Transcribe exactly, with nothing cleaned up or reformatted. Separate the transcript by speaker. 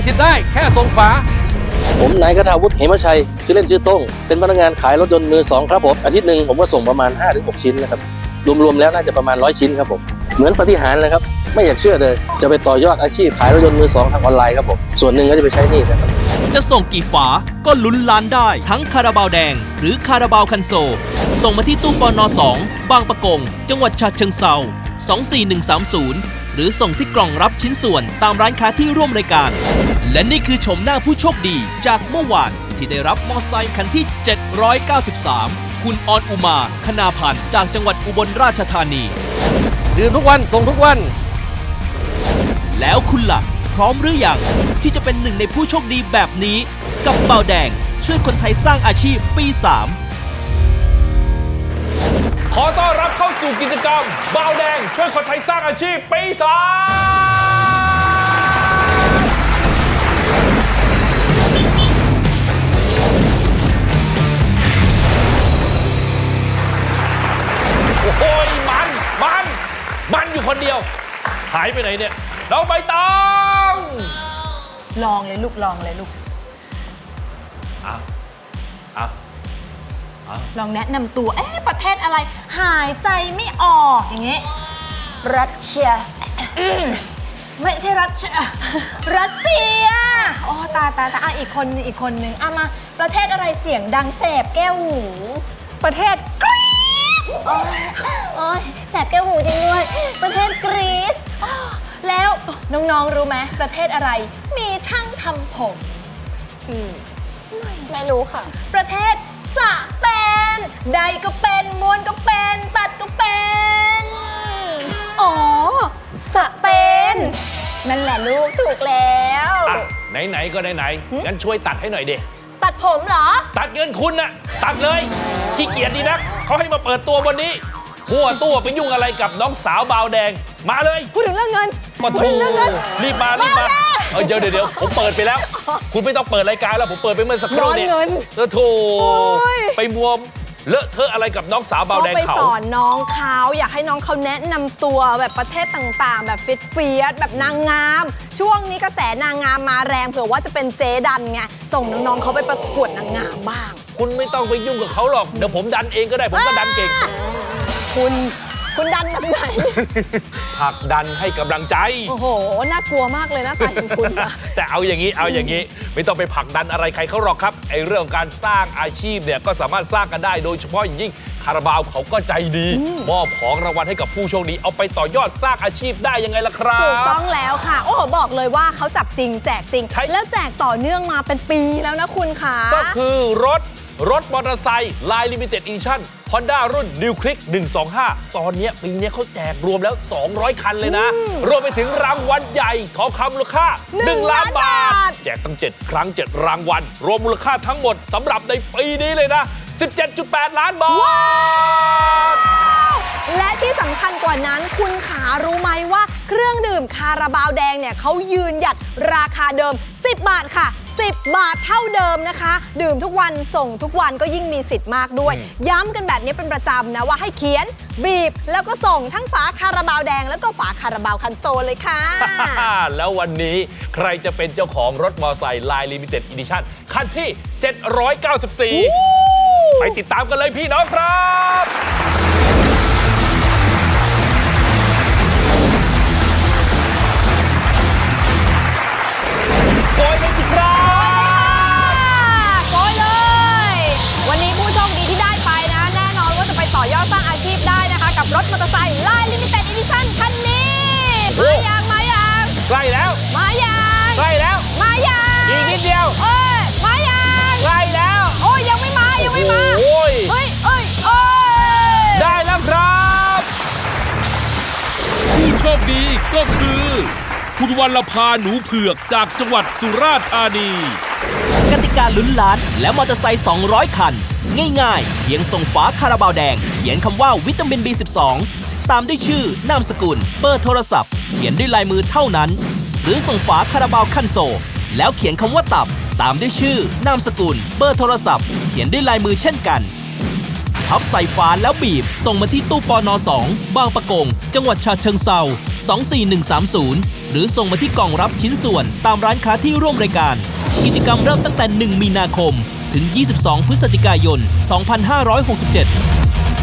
Speaker 1: สิทธิ์ได้แค่ส่งฝาผมนายกทาวุฒิเหมชัยชื่อเล่นชื่อต้งเป็นพนักงานขายรถยนต์มือสองครับผมอาทิตย์หนึ่งผมก็ส่งประมาณ ห้าถึงหก ชิ้นนะครับรวมๆแล้วน่าจะประมาณร้อยชิ้นครับผมเหมือนปาฏิหาริย์เลยครับไม่อยากเชื่อเลยจะไปต่อยอดอาชีพขายรถยนต์มือสองทางออนไลน์ครับผมส่วนหนึ่งก็จะไปใช้หนี้นะครับ
Speaker 2: จะส่งกี่ฝาก็ลุ้นล้านได้ทั้งคาราบาวแดงหรือคาราบาวคันโซลส่งมาที่ตู้ปนสองบางปะกงจังหวัดฉะเชิงเทราสองสี่หนึ่งสามศูนย์หรือส่งที่กล่องรับชิ้นส่วนตามร้านค้าที่ร่วมรายการและนี่คือชมหน้าผู้โชคดีจากเมื่อวานที่ได้รับมอเตอร์ไซค์คันที่เจ็ดร้อยเก้าสิบสามคุณออนอุมาคณาพันธ์จากจังหวัดอุบลราชธานี
Speaker 1: ดื่มทุกวันส่งทุกวัน
Speaker 2: แล้วคุณล่ะพร้อมหรือยังที่จะเป็นหนึ่งในผู้โชคดีแบบนี้กับเบาแดงช่วยคนไทยสร้างอาชีพปีสาม
Speaker 3: ขอต้อนรับเข้าสู่กิจกรรมเบาแดงช่วยคนไทยสร้างอาชีพปีสามโอ้ยมันมันมันอยู่คนเดียวหายไปไหนเนี่ยน้องใบตอง
Speaker 4: ลองเลยลูกลองเลยลูก
Speaker 3: อ่ะอ่ะ
Speaker 4: ลองแนะนำตัวเอ๊ะประเทศอะไรหายใจไม่ออกอย่างเงี้ยรัสเซียไม่ใช่รัสเซียรัสเซียโอ้ตาตาตาอ่ะอีกคนนึงอีกคนนึงอ่ะมาประเทศอะไรเสียงดังแสบแก้วหูประเทศกรีซโอ้ยโอ้ยแสบแก้วหูจริงด้วยประเทศกรีซแล้วน้องๆรู้ไหมประเทศอะไรมีช่างทำผมอืมไม่ไม่รู้ค่ะประเทศสเปนใดก็เป็นม้วนก็เป็นตัดก็เป็นอ๋อสเปนนั่นแหละลูกถูกแล้ว
Speaker 3: ไหนๆก็ไหนๆงั้นช่วยตัดให้หน่อยเด็
Speaker 4: ตัดผมเหรอ
Speaker 3: ตัดเงินคุณน่ะตัดเลยขี้เกียจดีนักเขาให้มาเปิดตัววันนี้หัวตัวไปยุ่งอะไรกับน้องสาวบาวแดงมาเลย
Speaker 4: พูดถึงเรื่องเงิน
Speaker 3: มาพูดถึงเรื่องเงินรีบมารีบมาเออเดี๋ยวเดี๋ยวผมเปิดไปแล้วคุณไม่ต้องเปิดรายการแล้วผมเปิดไปเมื่อสักครู่นี้เออโถไปมัวเลอะเทอะอะไรกับน้องสาวบาวแดงเขา
Speaker 4: ไปสอนน้องเขาอยากให้น้องเขาแนะนำตัวแบบประเทศต่างๆแบบฟิตเฟียสแบบนางงามช่วงนี้กระแสนางงามมาแรงเผื่อว่าจะเป็นเจ๊ดันไงส่งน้องๆเขาไปประกวดนางงามบ้าง
Speaker 3: คุณไม่ต้องไปยุ่งกับเขาหรอกเดี๋ยวผมดันเองก็ได้ผมก็ดันเก่ง
Speaker 4: คุณคุณดันแบบไหน
Speaker 3: ผลักดันให้กำลังใจ
Speaker 4: โอ้โหน่ากลัวมากเลยนะตาของคุณ
Speaker 3: แต่เอาอย่างนี้เอาอย่างนี้ไม่ต้องไปผลักดันอะไรใครเขาหรอกครับไอ้เรื่องการสร้างอาชีพเนี่ยก็สามารถสร้างกันได้โดยเฉพาะอย่างยิ่งคาราบาวเขาก็ใจดีมอบของรางวัลให้กับผู้โชคดีเอาไปต่อยอดสร้างอาชีพได้ยังไงล่ะครับ
Speaker 4: ถูกต้องแล้วค่ะโอ้โหบอกเลยว่าเขาจับจริงแจกจริงแล้วแจกต่อเนื่องมาเป็นปีแล้วนะคุณค่ะ
Speaker 3: ก็คือรถรถมอเตอร์ไซค์ลายลิมิเต็ดอีดิชั่น Honda รุ่น New Click หนึ่งสองห้าตอนนี้ปีนี้เขาแจกรวมแล้วสองร้อยคันเลยนะรวมไปถึงรางวัลใหญ่ทองคำมูลค่าหนึ่งล้านบาทแจกตั้งเจ็ดครั้งเจ็ดรางวัลรวมมูลค่าทั้งหมดสำหรับในปีนี้เลยนะ สิบเจ็ดจุดแปด ล้านบาท
Speaker 4: และที่สำคัญกว่านั้นคุณขารู้ไหมว่าเครื่องดื่มคาราบาวแดงเนี่ยเขายืนหยัดราคาเดิมสิบบาทค่ะสิบบาทเท่าเดิมนะคะดื่มทุกวันส่งทุกวันก็ยิ่งมีสิทธิ์มากด้วยย้ำกันแบบนี้เป็นประจำนะว่าให้เขียนบีบแล้วก็ส่งทั้งฝาคาราบาวแดงแล้วก็ฝาคาราบาวคันโซลเลยค่ะ
Speaker 3: แล้ววันนี้ใครจะเป็นเจ้าของรถมอเตอร์ไซค์ลายลิมิเต็ดอีดิชั่นคันที่เจ็ดร้อยเก้าสิบสี่ไปติดตามกันเลยพี่น้องครับโกยเลยสิครับ
Speaker 4: โกยเลยวันนี้ผู้โชคดีที่ได้ไปนะแน่นอนว่าจะไปต่อยอดสร้างอาชีพได้นะคะกับรถมอเตอร์ไซค์ลายลิมิเต็ดอีดิชั่นคันนี้มายังมายัง
Speaker 3: ใกล้แล้ว
Speaker 4: มายัง
Speaker 3: ใกล้แล้ว
Speaker 4: มายัง
Speaker 3: อีกนิดเดียว
Speaker 4: เอ้ยมายัง
Speaker 3: ใกล้แล้ว
Speaker 4: โอ้ยยังไม่มายังไม่มา
Speaker 3: โอ้ย
Speaker 4: เฮ้ยเอ้ยเอ้
Speaker 3: ยได้แล้วครับ
Speaker 2: ผู้โชคดีก็คือคุณวรรณภาหนูเผือกจากจังหวัดสุราษฎร์ธานีกติกาลุ้นล้านและมอเตอร์ไซค์สองร้อยคันง่ายๆเพียงส่งฝาคาราบาวแดงเขียนคำว่าวิตามิน บี สิบสอง ตามด้วยชื่อนามสกุลเบอร์โทรศัพท์เขียนด้วยลายมือเท่านั้นหรือส่งฝาคาราบาวคันโซลแล้วเขียนคำว่าตับตามด้วยชื่อนามสกุลเบอร์โทรศัพท์เขียนด้วยลายมือเช่นกันพับใส่ฝาแล้วบีบส่งมาที่ตู้ปนสองบางปะกงจังหวัดฉะเชิงเทราสองสี่หนึ่งสามศูนย์หรือส่งมาที่กล่องรับชิ้นส่วนตามร้านค้าที่ร่วมรายการกิจกรรมเริ่มตั้งแต่หนึ่งมีนาคมถึงยี่สิบสองพฤศจิกายนสองพันห้าร้อยหกสิบเจ็ด